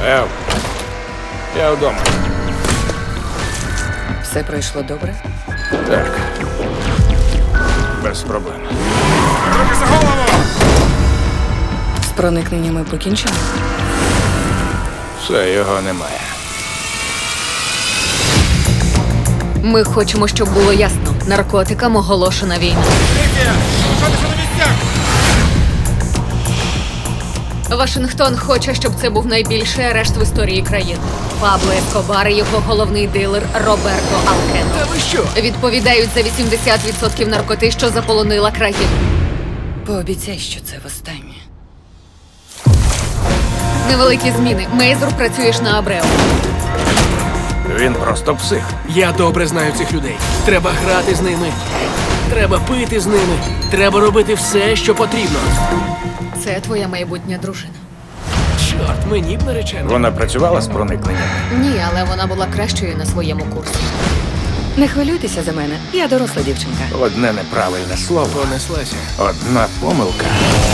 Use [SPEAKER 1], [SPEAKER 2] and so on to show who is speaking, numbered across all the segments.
[SPEAKER 1] Я вдома.
[SPEAKER 2] Все пройшло добре?
[SPEAKER 1] Так. Без проблем. Руки за голову!
[SPEAKER 2] З проникненнями покінчено?
[SPEAKER 1] Все, його немає.
[SPEAKER 3] Ми хочемо, щоб було ясно. Наркотикам оголошена війна. Вашингтон хоче, щоб це був найбільший арешт в історії країни. Пабло Ескобар і його головний дилер Роберто Алкено.
[SPEAKER 4] Та ви що?
[SPEAKER 3] Відповідають за 80% наркоти, що заполонила країну.
[SPEAKER 2] Пообіцяй, що це востаннє.
[SPEAKER 3] Невеликі зміни. Мейзур, працюєш на Абрео.
[SPEAKER 1] Він просто псих.
[SPEAKER 4] Я добре знаю цих людей. Треба грати з ними. Треба пити з ними. Треба робити все, що потрібно.
[SPEAKER 3] Це твоя майбутня дружина.
[SPEAKER 4] Чорт, мені б наречено.
[SPEAKER 1] Вона працювала з проникненням.
[SPEAKER 3] Ні, але вона була кращою на своєму курсі.
[SPEAKER 2] Не хвилюйтеся за мене, я доросла дівчинка.
[SPEAKER 1] Одне неправильне слово,
[SPEAKER 4] Понеслася.
[SPEAKER 1] одна помилка.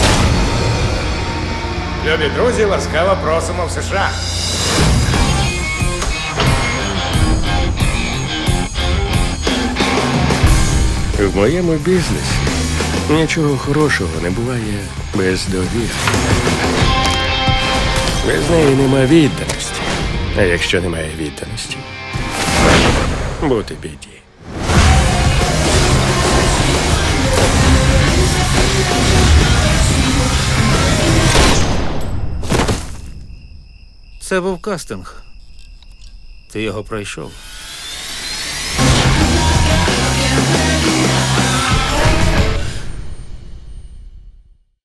[SPEAKER 1] Любі друзі, ласкаво просимо в США.
[SPEAKER 5] В моєму бізнесі нічого хорошого не буває без довіри. Без неї нема відданості. А якщо немає відданості, бути біді.
[SPEAKER 6] Це був кастинг. Ти його пройшов.